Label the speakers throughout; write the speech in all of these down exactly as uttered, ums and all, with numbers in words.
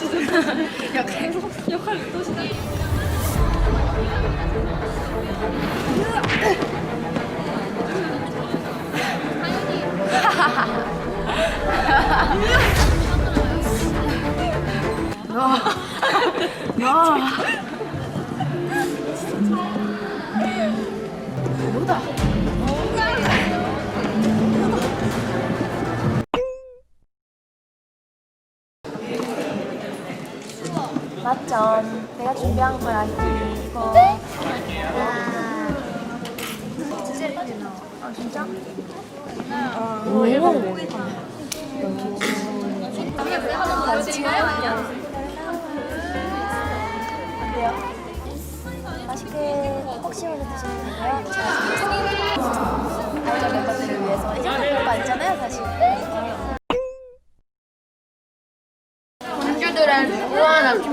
Speaker 1: 역할 역할을 또 시작.
Speaker 2: 맞점. 내가 준비한 거야 이거. 아 진짜? 오 일본. 어때요? 맛있게 혹시라도 드시는 거예요? 알죠 멤버들을 위해서 이제 별거 아니잖아요 사실. 공주들은 무한한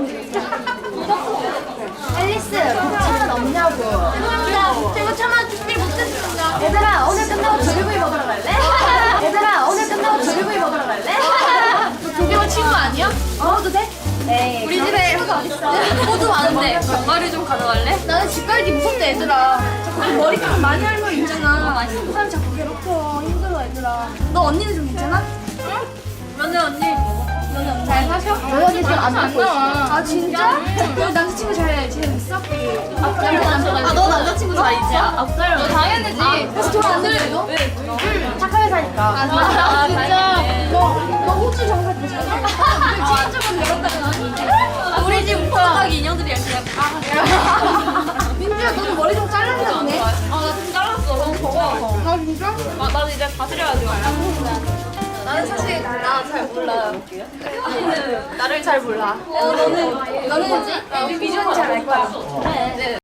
Speaker 2: 앨리스 차만 없냐고. 얘들아 제가 차만 준비 못했습니다. 얘들아 오늘 끝나고 조개구이 먹으러 갈래? 얘들아 오늘 끝나고 조개구이 먹으러 갈래? 너 조개구 친구 아니야? 먹어도 돼? 에이 우리 집에 호두 많은데 견과류 좀 가져갈래? 나는 집 갈기 무섭대 얘들아. 자꾸 그 머리카락 많이 할머 있잖아. 그 사람 자꾸 괴롭혀. 힘들어 얘들아. 너 언니는 좀 괜찮아? 응? 너네 언니 잘 사셔? 너희 언니 지금 안 듣고 있어. 아 진짜? 너 남자친구 잘 지내고 있어? 아 너 남자친구 잘 있지? 없어요. 너 당연하지. 그래서 돈 안 들려도? 응 착하게 사니까. 아 진짜? 아, 진짜? 너너 호주 정말 괜찮아? 아 친구분 배웠다잖아. 우리 집 호주가기 인형들이야 그냥. 아 민주야 너도 머리 좀 잘랐나 보네? 아나 좀 잘랐어. 너무 더워서. 아 진짜? 아 나도 이제 다스려야지. 나는 사실 나 잘 몰라. 언니는 나를 잘 몰라. 어, 너는 너는 뭐지? 우리 비전이 잘 알 거야. 그래. 네.